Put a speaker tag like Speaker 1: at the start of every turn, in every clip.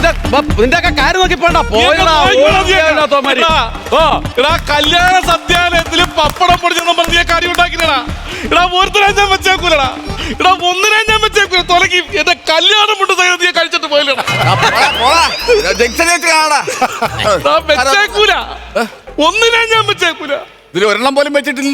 Speaker 1: നിന്റെ ഒക്കെ കാര്യം നോക്കി പോണ്ട.
Speaker 2: കല്യാണ സദ്യാലയത്തില് പപ്പടം പൊടിച്ചെന്നും പറഞ്ഞ കാര്യം ഉണ്ടാക്കില്ലടാ. ഇടാ ഒരുത്തനെ ഞാൻ വെച്ചേക്കൂലടാ. ഇടാ ഒന്നിനെ ഞാൻ വെച്ചേക്കൂല. തൊലക്കി എന്റെ കല്യാണം കൊണ്ട് നീ കഴിച്ചിട്ട് പോയില്ലടാ. വെച്ചേക്കൂല. ഒന്നിനെ ഞാൻ വെച്ചേക്കൂല.
Speaker 3: ഇതിൽ ഒരെണ്ണം പോലും വെച്ചിട്ടില്ല.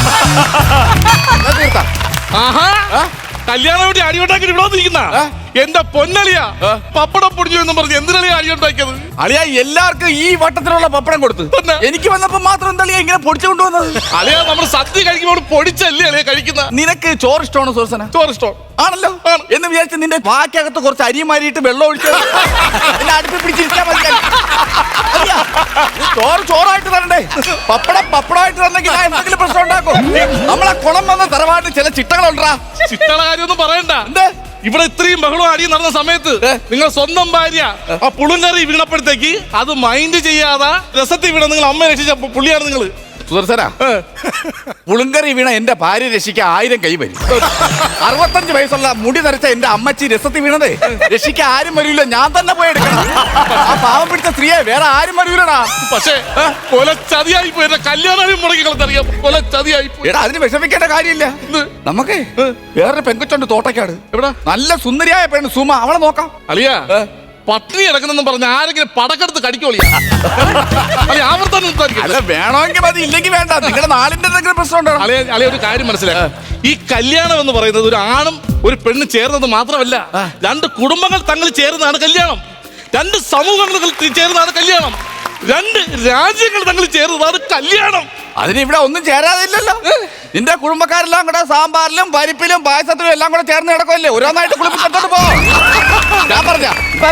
Speaker 2: ആഹാ കല്യാണം വേണ്ടി അടിയുണ്ടാക്കി ഇവിടെ വന്നിരിക്കുന്ന എന്റെ പൊന്നളിയാ. പപ്പടം പൊടിഞ്ഞു എന്ന് പറഞ്ഞ് എന്തിനാ അടിയുണ്ടാക്കിയത്?
Speaker 3: അളിയാ എല്ലാവർക്കും ഈ വട്ടത്തിലുള്ള പപ്പടം കൊടുത്തു. എനിക്ക് വന്നപ്പോ മാത്രം എന്താ ഇങ്ങനെ പൊടിച്ചു കൊണ്ടുവന്നത്?
Speaker 2: അളിയാ നമ്മൾ സദ്യ കഴിക്കുമ്പോൾ പൊടിച്ചല്ലേ അളിയാ കഴിക്കുന്ന.
Speaker 3: നിനക്ക് ചോറ് ഇഷ്ടമാണോ സുഹൃത്തന?
Speaker 2: ചോറ് ഇഷ്ടം
Speaker 3: ആണല്ലോ. എന്ന് വിചാരിച്ച് നിന്റെ വാക്കകത്ത് കുറച്ച് അരി മാരിയിട്ട് വെള്ളം ഒഴിച്ച് അടുപ്പിൽ പിടിച്ചിരിക്കാൻ മതി. ചോറ് ചോറായിട്ട് തരണ്ടേ? പപ്പടം പപ്പടമായിട്ട് തന്നെങ്കിൽ എന്തെങ്കിലും പ്രശ്നം ഉണ്ടാക്കും. നമ്മളെ കുളം വന്ന തറവാട്ട് ചില ചിട്ടകളുണ്ടാ.
Speaker 2: ചിട്ടകള കാര്യമൊന്നും പറയണ്ട.
Speaker 3: എന്തേ
Speaker 2: ഇവിടെ ഇത്രയും ബഹളം അടിയും നടന്ന സമയത്ത് നിങ്ങൾ സ്വന്തം ഭാര്യ ആ പുളുങ്കറി വീണപ്പോഴത്തേക്ക് അത് മൈൻഡ് ചെയ്യാതെ രസത്തിൽ വീണ നിങ്ങൾ അമ്മയെ രക്ഷിച്ച പുള്ളിയാണ് നിങ്ങൾ.
Speaker 3: സുദർശന, പുളുങ്കറി വീണ എന്റെ ഭാര്യ രക്ഷിക്കാൻ 1000 കൈ വരും. 65 വയസ്സുള്ള മുടി നരച്ച എന്റെ അമ്മച്ചി രസത്തിൽ വീണതേ രക്ഷിക്കാൻ ആരും വരൂല. ഞാൻ തന്നെ പോയി എടുക്കണം. ആ പാവം പിടിച്ച സ്ത്രീയെ വേറെ ആരും വരൂലടാ.
Speaker 2: പക്ഷേ കൊല ചതിയായി പോയി. എന്റെ കല്യാണം മുടക്കി കളത്തറിയാം. കൊല ചതിയായി പോയി.
Speaker 3: എടാ അതിന് വിഷമിക്കേണ്ട കാര്യമില്ല. നമുക്ക് വേറൊരു പെങ്കൊച്ചുണ്ട് തോട്ടക്കാട്. എവിടെ നല്ല സുന്ദരിയായ പെണ്ണ് സുമ. അവളെ നോക്കാം.
Speaker 2: അളിയാ പട്ടിണി കിടക്കുന്നെന്നും പറഞ്ഞ ആരെങ്കിലും പടക്കെടുത്ത് കടിക്കോളിയാ.
Speaker 3: അല്ല വേണമെങ്കിൽ മതി, ഇല്ലെങ്കിൽ വേണ്ട. നിങ്ങളുടെ നാളിന്റെ എന്തെങ്കിലും പ്രശ്നം ഉണ്ടോ?
Speaker 2: അളിയ ഒരു കാര്യം മനസ്സിലാക്കാം. ഈ കല്യാണം എന്ന് പറയുന്നത് ഒരു ആണും ഒരു പെണ്ണും ചേർന്നത് മാത്രമല്ല, 2 കുടുംബങ്ങൾ തങ്ങൾ ചേർന്നതാണ് കല്യാണം. 2 സമൂഹങ്ങൾ ചേർന്നതാണ് കല്യാണം. 2 രാജ്യങ്ങൾ തങ്ങൾ ചേർന്നതാണ് കല്യാണം.
Speaker 3: അതിന് ഇവിടെ ഒന്നും ചേരാതെ ഇല്ലല്ലോ. നിന്റെ കുടുംബക്കാരെല്ലാം കൂടെ സാമ്പാറിലും പരിപ്പിലും പായസത്തിലും എല്ലാം കൂടെ ചേർന്ന് കിടക്കുമല്ലേ? ഓരോന്നായിട്ട് കുളിപ്പിച്ചിട്ട് പോ. ഞാൻ പറഞ്ഞ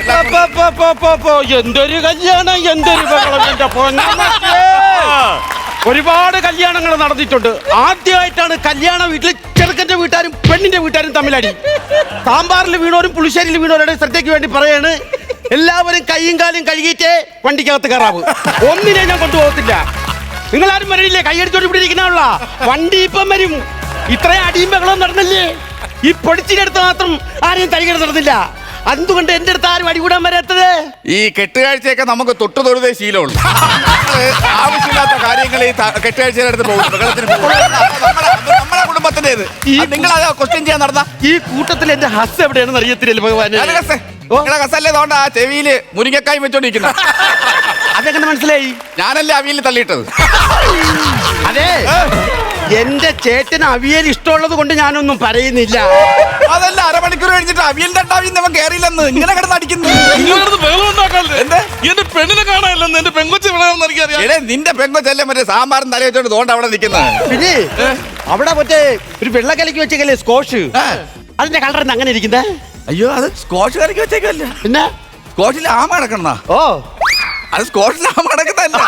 Speaker 1: എന്തൊരു കല്യാണം, എന്തൊരു ബഹളം എന്റെ പൊന്നമ്മച്ചേ. ഒരുപാട് കല്യാണങ്ങൾ നടന്നിട്ടുണ്ട്. ആദ്യമായിട്ടാണ് കല്യാണ വീട്ടിൽ ചെറുക്കന്റെ വീട്ടുകാരും പെണ്ണിന്റെ വീട്ടുകാരും തമ്മിലടി. സാമ്പാറിൽ വീണോരും പുളിശ്ശേരിയിൽ വീണോരുടെ ശ്രദ്ധയ്ക്ക് വേണ്ടി പറയാണ്, എല്ലാവരും കൈയും കാലും കഴുകിയിട്ടേ വണ്ടിക്കകത്ത് കയറാവൂ. ഒന്നിനെ ഞാൻ കൊണ്ടുപോകത്തില്ല. നിങ്ങളാരും വരണില്ലേ? കൈയടിച്ചോണ്ട് ഇവിടെ ഇരിക്കണുള്ള വണ്ടി ഇപ്പം വരും. ഇത്രയും അടിയും ബഹളവും നടന്നില്ലേ? ഈ പൊടിച്ചിനടുത്ത് മാത്രം ആരെയും തരികട നടന്നില്ല. എന്തുകൊണ്ട് എന്റെ അടുത്ത് ആരും അടികൂടാൻ വരാത്തത്?
Speaker 3: ഈ കെട്ടുകാഴ്ചയൊക്കെ നമുക്ക് തൊട്ടു തൊഴുതേ ശീലമുള്ളൂ. ആവശ്യമില്ലാത്ത കാര്യങ്ങൾ ഈ കെട്ടുകാഴ്ചയുടെ അടുത്ത് പോകും. നമ്മളെ കുടുംബത്തിന്റേത് നിങ്ങൾ അത് ക്വസ്റ്റ്യൻ ചെയ്യാൻ നടന്ന
Speaker 1: ഈ കൂട്ടത്തിൽ എന്റെ ഹസ് എവിടെയാണെന്ന് അറിയത്തില്ല ഭഗവാന്.
Speaker 3: ഹസല്ലേ തോണ്ട ആ ചെവിയില് മുരിങ്ങക്കായി വെച്ചോണ്ടിരിക്കുന്ന.
Speaker 1: അതെങ്ങനെ മനസ്സിലായി?
Speaker 3: ഞാനല്ലേ അവിയൽ തള്ളിയിട്ടത്.
Speaker 1: അതെ, എന്റെ ചേട്ടന് അവിയൽ ഇഷ്ടമുള്ളത് കൊണ്ട് ഞാനൊന്നും പറയുന്നില്ല.
Speaker 3: അതല്ല അരമണിക്കൂർ കഴിഞ്ഞിട്ട് അവിയലിന്റെ അവൻ കയറിയില്ലെന്ന് ഇങ്ങനെ കിടന്ന് അടിക്കുന്നു.
Speaker 2: എന്റെ പെണ്ണിനെ കാണാനില്ലെന്ന്. എന്റെ പെങ്കൊച്ച്
Speaker 3: എടേ നിന്റെ പെങ്കൊച്ചല്ലേ മറ്റേ സാമ്പാറും തല വെച്ചോണ്ട് തോണ്ട അവിടെ നിൽക്കുന്നത്.
Speaker 1: പിന്നെ അവിടെ മറ്റേ ഒരു വെള്ളക്കലക്ക് വെച്ചേക്കല്ലേ സ്കോഷ്, അതിന്റെ കളർ അങ്ങനെ ഇരിക്കുന്നേ.
Speaker 3: അയ്യോ അത് സ്കോഷ് കറിക്ക് വെച്ചേക്കല്ല.
Speaker 1: പിന്നെ
Speaker 3: സ്കോഷിൽ ആമ കിടക്കണ.
Speaker 1: ഓ
Speaker 3: അത് സ്കോഷിൽ ആമ കിടക്കുന്നല്ല.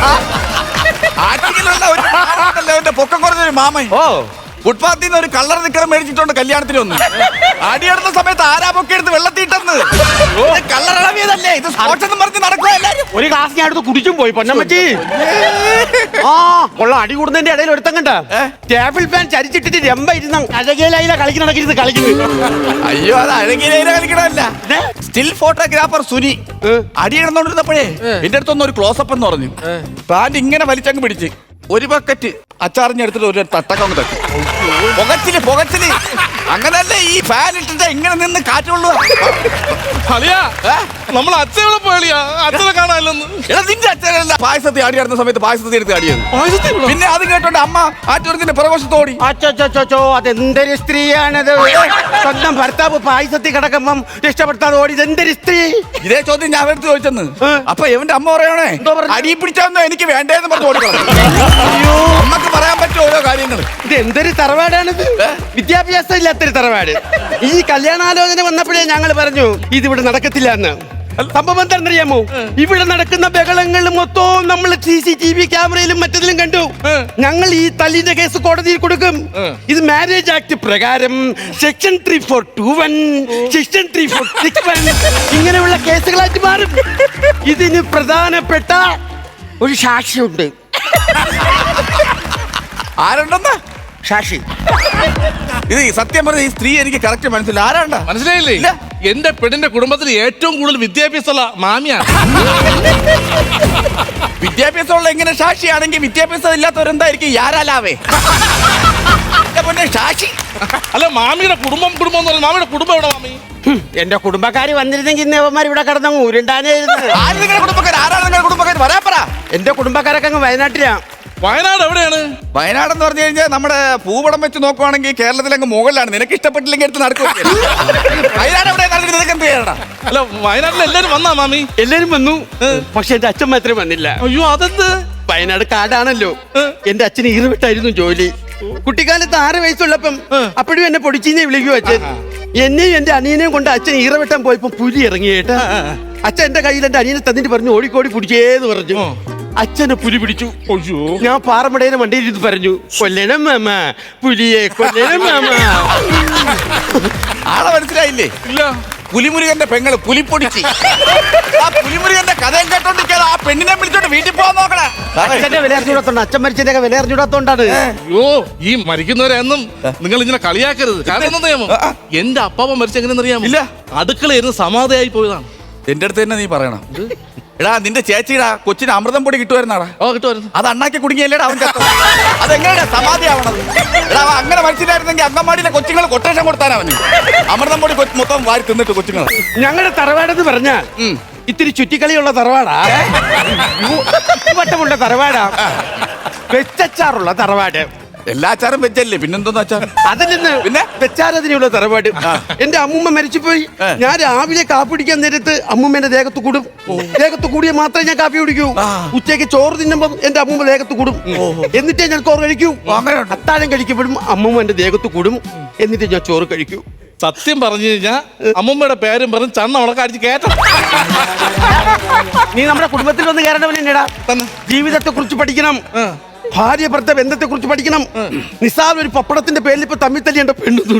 Speaker 3: ആറ്റിങ്ങിലുള്ള പൊക്കം കുറഞ്ഞൊരു മാമൻ ഫുട്പാത്തിൽ നിന്ന് ഒരു കളർ നിക്കറ് മേടിച്ചിട്ടുണ്ട് കല്യാണത്തിന് വന്ന്. അടിയെടുത്ത സമയത്ത് ആരാ പൊക്കെ എടുത്ത് വെള്ളത്തിട്ടെന്ന്. കളറിളവിയതല്ലേ ഇത്? സ്കോഷെന്ന് പറഞ്ഞ് നടക്കുക എല്ലാരും.
Speaker 1: ഒരു ഗ്ലാസ് ഞാൻ എടുത്ത് കുടിച്ചും പോയി പൊന്നമ്മച്ചി. ആ ഉള്ള അടി കൂടുന്നതിന്റെ ഇടയിൽ ഒരുത്തം കണ്ട ടേബിൾ ഫാൻ ചരിച്ചിട്ടിട്ട് രമ്പ ഇരുന്ന അഴകേലയില കളിക്കണക്കിരുന്ന് കളിക്കുന്നു.
Speaker 3: അയ്യോ അത് അഴകേലയില കളിക്കണമല്ല, സ്റ്റിൽ ഫോട്ടോഗ്രാഫർ സുനി അടിയിടുന്നോണ്ടിരുന്നപ്പോഴേ എന്റെ അടുത്തൊന്നും ഒരു ക്ലോസപ്പ് എന്ന് പറഞ്ഞു. പാന്റ് ഇങ്ങനെ വലിച്ചങ്ങ് പിടിച്ച് ഒരു ബക്കറ്റ് അച്ചാറിഞ്ഞെടുത്തിട്ട് ഒരു തട്ടക്കങ്ങ് തട്ടി. പുകച്ചില് അങ്ങനല്ലേ ഈ ഫാൻ ഇട്ടിട്ട് ഇങ്ങനെ നിന്ന് കാറ്റുള്ളൂ.
Speaker 2: നമ്മൾ അച്ഛനെ പോയാ അച്ഛനെ കാണാനില്ലെന്ന്.
Speaker 3: എടാ നിന്റെ അച്ഛനല്ല പായസത്തിൽ ആടിയാടുന്ന സമയത്ത് പായസത്തിൽ എടുത്ത് ആടിയത്. പിന്നെ അത് കേട്ടോണ്ട് അമ്മ ആറ്റൂരത്തിന്റെ പുറവശത്തോടി.
Speaker 1: അച്ചോ അതെന്തൊരു സ്ത്രീയാണത്? സ്വന്തം ഭർത്താവ് പായസത്തിൽ കിടക്കുമ്പം രക്ഷപ്പെടുത്താതെ ഓടി എന്തൊരു സ്ത്രീ?
Speaker 3: ഇതേ ചോദ്യം ഞാൻ എടുത്ത് ചോദിച്ചെന്ന്. അപ്പൊ എവന്റെ അമ്മ പറയണേ അടി പിടിച്ചൊന്നും എനിക്ക് വേണ്ടേന്ന് പറഞ്ഞു ഓടിക്കണം. അമ്മക്ക് പറയാൻ പറ്റും ഓരോ കാര്യങ്ങൾ.
Speaker 1: ഇത് എന്തൊരു തറവാടാണിത്? വിദ്യാഭ്യാസം ഇല്ലാത്തൊരു തറവാട്. ഈ കല്യാണാലോചന വന്നപ്പോഴേ ഞങ്ങൾ പറഞ്ഞു ഇതിവിടെ നടക്കത്തില്ല എന്ന്. സംഭവം എന്താണെന്നറിയാമോ? ഇവിടെ നടക്കുന്ന ബഹളങ്ങൾ മൊത്തവും നമ്മൾ CCTV ക്യാമറയിലും മറ്റതിലും കണ്ടു. ഞങ്ങൾ ഈ തല്ലിന്റെ കേസ് കോടതിയിൽ കൊടുക്കും. ഇത് മാരേജ് ആക്ട് പ്രകാരം സെക്ഷൻ 3421, സെക്ഷൻ 3461 ഇങ്ങനെയുള്ള കേസുകളായിട്ട് മാറും. ഇതിന് പ്രധാനപ്പെട്ട ഒരു സാക്ഷിയുണ്ട്.
Speaker 3: ആരുണ്ടെന്ന്?
Speaker 1: സാക്ഷി.
Speaker 3: ഇത് സത്യം പറഞ്ഞ ഈ സ്ത്രീ എനിക്ക് കറക്റ്റ് മനസ്സിലായി. ആരാണ്ട
Speaker 2: മനസ്സിലായില്ലേ? എന്റെ പെണ്ണിന്റെ കുടുംബത്തിൽ ഏറ്റവും കൂടുതൽ വിദ്യാഭ്യാസമുള്ള മാമിയാണ്.
Speaker 3: വിദ്യാഭ്യാസമുള്ള എങ്ങനെ സാക്ഷിയാണെങ്കിൽ വിദ്യാഭ്യാസം ഇല്ലാത്തവരെന്തായിരിക്കും യാരാലാവേ സാക്ഷി?
Speaker 2: അല്ല മാമിയുടെ കുടുംബം എന്ന് പറഞ്ഞാൽ മാമിയുടെ കുടുംബം എവിടെ മാമി?
Speaker 1: എന്റെ കുടുംബക്കാര് വന്നിരുന്നെങ്കിൽ ഇന്ന് അവന്മാർ ഇവിടെ കിടന്നു ഉരുണ്ടാനായിരുന്നു.
Speaker 3: ആര് നിങ്ങളുടെ കുടുംബക്കാർ? ആരാണ് നിങ്ങളുടെ കുടുംബക്കാർ? വരാൻ പറ.
Speaker 1: എന്റെ കുടുംബക്കാരൊക്കെ അങ്ങ് വയനാട്ടിലാ.
Speaker 2: വയനാട് എവിടെയാണ്?
Speaker 3: വയനാട് എന്ന് പറഞ്ഞു കഴിഞ്ഞാൽ നമ്മുടെ ഭൂപടം വെച്ച് നോക്കുവാണെങ്കിൽ കേരളത്തിലങ്ങ് മുകളിലാണ്. നിനക്ക് ഇഷ്ടപ്പെട്ടില്ലെങ്കിൽ എടുത്ത് നടക്കും. വയനാട് എവിടെ നിനക്ക് എന്ത് ചെയ്യണം?
Speaker 2: അല്ല വയനാട്ടിൽ എല്ലാരും വന്നാ മാമി?
Speaker 1: എല്ലാരും വന്നു, പക്ഷെ എന്റെ അച്ഛൻ മാത്രമേ വന്നില്ല.
Speaker 2: അയ്യോ അതെന്ത്?
Speaker 1: വയനാട് കാടാണല്ലോ. എന്റെ അച്ഛന് ഈറുവിട്ടായിരുന്നു ജോലി. കുട്ടിക്കാലത്ത് 6 വയസ്സുള്ളപ്പം അപ്പോഴും എന്നെ പൊടിച്ചീനെ വിളിക്കൂ അച്ഛൻ. എന്നെയും എന്റെ അനിയനെയും കൊണ്ട് അച്ഛൻ ഈറവെട്ടാൻ പോയപ്പോ പുലി ഇറങ്ങിയേട്ടാ. അച്ഛൻ എന്റെ കയ്യിൽ എന്റെ അനിയനെ തന്നിട്ട് പറഞ്ഞു ഓടിക്കോടി പിടിച്ചേന്ന് പറഞ്ഞു. അച്ഛനെ പുലി പിടിച്ചു.
Speaker 2: അയ്യോ
Speaker 1: ഞാൻ പാറമടേനെ വണ്ടിയിൽ ഇരുന്ന് പറഞ്ഞു കൊല്ലണം മാമ, പുലിയെ കൊല്ലണം മാമ.
Speaker 3: ആളെ മനസ്സിലായില്ലേ?
Speaker 2: ഇല്ല.
Speaker 3: പുലിമുരുകന്റെ പെങ്ങള് പുലിപ്പൊടിച്ച്. ആ പുലിമുരുകന്റെ കഥയും കേട്ടോണ്ടിരിക്കാതെ ആ പെണ്ണിനെ വിളിച്ചോണ്ട് വീട്ടിൽ പോകാൻ നോക്കണേ.
Speaker 1: അച്ഛന്റെ വില അറിഞ്ഞൂടാത്തോണ്ട്, അച്ഛൻ മരിച്ചതിന്റെ വില അറിഞ്ഞൂടാത്തോണ്ടാണ്.
Speaker 2: അയ്യോ ഈ മരിക്കുന്നവരെന്നും നിങ്ങൾ ഇങ്ങനെ കളിയാക്കരുത്. കാരണം എന്താ നിയമം? എന്റെ അപ്പാപ്പ മരിച്ചെങ്ങനെയെന്ന് അറിയാമോ?
Speaker 3: ഇല്ല.
Speaker 2: അടുക്കളയിരുന്ന് സമാധിയായി പോയതാണ്.
Speaker 3: എന്റെ അടുത്ത് തന്നെ നീ പറയണം. എടാ നിന്റെ ചേച്ചിടാ കൊച്ചിന് അമൃതം പൊടി കിട്ടുമായിരുന്നാടാ?
Speaker 2: ഓ കിട്ടുമായിരുന്നു.
Speaker 3: അത് അണ്ണാക്കി കുടുങ്ങിയല്ലേടാ അവൻ ചത്തത്? അതെങ്ങനെയാ സമാധിയാവണത്? എടാ അവൻ അങ്ങനെ മരിച്ചിട്ടായിരുന്നെങ്കിൽ അങ്കമാടിയിലെ കൊച്ചുങ്ങൾ കൊട്ടേഷൻ കൊടുത്താൻ അവന്. അമൃതം പൊടി മൊത്തം വാരി തിന്നിട്ട് കൊച്ചുങ്ങൾ.
Speaker 1: ഞങ്ങളുടെ തറവാടെന്ന് പറഞ്ഞാൽ ഇത്തിരി ചുറ്റിക്കളിയുള്ള തറവാടാ. വട്ടമുള്ള തറവാടാ. വെച്ചച്ചാറുള്ള തറവാട്.
Speaker 3: എല്ലാ അച്ചാറും വെച്ചല്ലേ, പിന്നെന്തോന്ന് അച്ചാർ?
Speaker 1: അതിൽ നിന്ന്
Speaker 3: പിന്നെ
Speaker 1: വെച്ചാരതിനുള്ള തറവാട്. എന്റെ അമ്മൂമ്മ മരിച്ചുപോയി. ഞാൻ രാവിലെ കാപ്പി കുടിക്കാൻ നേരത്ത് അമ്മൂമ്മേന്റെ ദേഹത്ത് കൂടും. ദേഹത്ത് കൂടിയ മാത്രമേ ഞാൻ കാപ്പി കുടിക്കൂ. ഉച്ചയ്ക്ക് ചോറ് തിന്നുമ്പം എന്റെ അമ്മൂമ്മ ദേഹത്ത് കൂടും. എന്നിട്ടേ ഞാൻ ചോറ് കഴിക്കൂ. അത്താഴം കഴിക്കുമ്പോഴും അമ്മൂമ്മ എന്റെ ദേഹത്ത് കൂടും. എന്നിട്ട് ഞാൻ ചോറ് കഴിക്കൂ.
Speaker 2: സത്യം പറഞ്ഞു കഴിഞ്ഞാൽ അമ്മമ്മയുടെ പേരും പറഞ്ഞ് ചണ്ണ ഉളക്ക അടിച്ച് കേട്ടോ.
Speaker 1: നീ നമ്മുടെ കുടുംബത്തിൽ വന്ന് കയറേണ്ടവനെടാ. ജീവിതത്തെ കുറിച്ച് പഠിക്കണം. ഭാര്യ ഭർത്ത ബന്ധത്തെ കുറിച്ച് പഠിക്കണം. നിസാർ ഒരു പപ്പടത്തിന്റെ പേരിൽ ഇപ്പൊ തമ്മിൽ തല്ലിയുണ്ട്.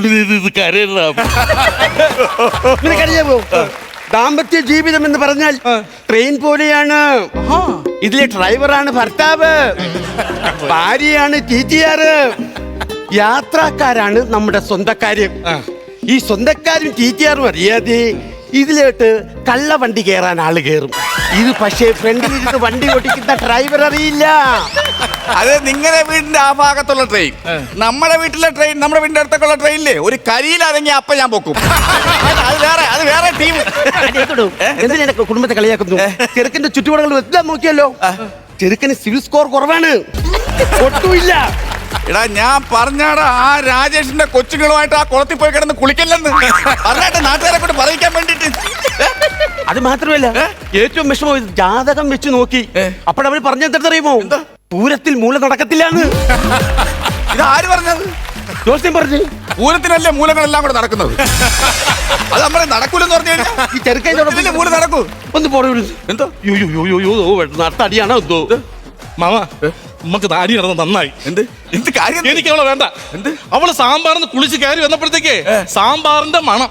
Speaker 1: പെണ്ണു ദാമ്പത്യ ജീവിതം എന്ന് പറഞ്ഞാൽ ട്രെയിൻ പോലെയാണ്. ഇതിലെ ഡ്രൈവറാണ് ഭർത്താവ്, ഭാര്യയാണ് TTR, യാത്രക്കാരാണ് നമ്മുടെ സ്വന്തക്കാര്. ഈ സ്വന്തക്കാരും TTR അറിയാതെ ഇതിലോട്ട് കള്ള വണ്ടി കയറാൻ ആള് കയറും. ഇത് പക്ഷേ ഫ്രണ്ടിലിരുന്ന് വണ്ടി ഓടിക്കുന്ന ഡ്രൈവർ അറിയില്ല.
Speaker 3: അത് നിങ്ങളുടെ വീടിന്റെ ആ ഭാഗത്തുള്ള ട്രെയിൻ. നമ്മുടെ വീട്ടിലെ ട്രെയിൻ, നമ്മുടെ വീടിന്റെ അടുത്തൊക്കെയുള്ള ട്രെയിനില്ലേ ഒരു കരിയിലിറങ്ങി അപ്പൊ ഞാൻ പൊക്കും. അത് വേറെ ടീം.
Speaker 1: എന്തിനാ കുടുംബത്തെ കളിയാക്കുന്നു? ചെറുക്കന്റെ ചുറ്റുപാടുകൾ എല്ലാം നോക്കിയല്ലോ. ചെറുക്കന് സിവിൽ സ്കോർ കുറവാണ്, ഒട്ടുമില്ല.
Speaker 3: എടാ ഞാൻ പറഞ്ഞാടാ ആ രാജേഷിന്റെ കൊച്ചുങ്ങളുമായിട്ട് ആ കുളത്തിൽ പോയി കിടന്ന് കുളിക്കല്ലെന്ന് പറഞ്ഞിട്ട് നാട്ടുകാരെ കൊണ്ട് പറയിക്കാൻ വേണ്ടിട്ട്.
Speaker 1: അത് മാത്രമല്ല ഏറ്റവും വിഷമം ജാതകം വെച്ച് നോക്കി. അപ്പോഴവർ പറഞ്ഞെന്തറിയുമോ? പൂരത്തിൽ മൂല നടക്കത്തില്ലാന്ന്.
Speaker 3: ഇത് ആര് പറഞ്ഞത്?
Speaker 1: ജോസ്യം പറഞ്ഞു.
Speaker 3: പൂരത്തിനല്ലേ മൂലങ്ങളെല്ലാം കൂടെ നടക്കുന്നത്. അത് നമ്മളെ നടക്കൂലെന്ന് പറഞ്ഞു കഴിഞ്ഞാൽ
Speaker 1: ഈ ചെറുക്കൻ
Speaker 3: മൂല നടക്കൂ.
Speaker 1: ഒന്ന് പോടൂ.
Speaker 3: എന്തോ
Speaker 1: നട്ടടിയാണോ എന്തോ?
Speaker 2: മാമ നമുക്ക് താടി നടന്ന് നന്നായി.
Speaker 3: എന്ത് എന്ത് കാര്യം?
Speaker 2: എനിക്ക് അവളെ വേണ്ട.
Speaker 3: എന്ത്?
Speaker 2: അവള് സാമ്പാറിന്ന് കുളിച്ച് കയറി വന്നപ്പോഴത്തേക്ക് സാമ്പാറിന്റെ മണം.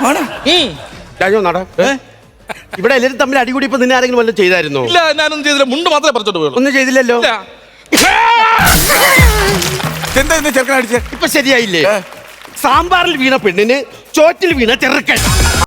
Speaker 1: നട ഇവിടെ എല്ലാവരും തമ്മിൽ അടികൂടി ഇപ്പൊ നിന്നെ ആരെങ്കിലും വല്ലതും ചെയ്തായിരുന്നോ?
Speaker 2: ഇല്ല ഞാനൊന്നും ചെയ്തില്ല. മുണ്ട് മാത്രമേ പറിച്ചോട്ട് പോയുള്ളൂ.
Speaker 1: ഒന്നും ചെയ്തില്ലല്ലോ.
Speaker 3: എന്താ ചെറുക്കൻ അടിച്ചേ?
Speaker 1: ഇപ്പൊ ശരിയായില്ലേ? സാമ്പാറിൽ വീണ പെണ്ണിന് ചോറ്റിൽ വീണ ചെറുക്കൻ.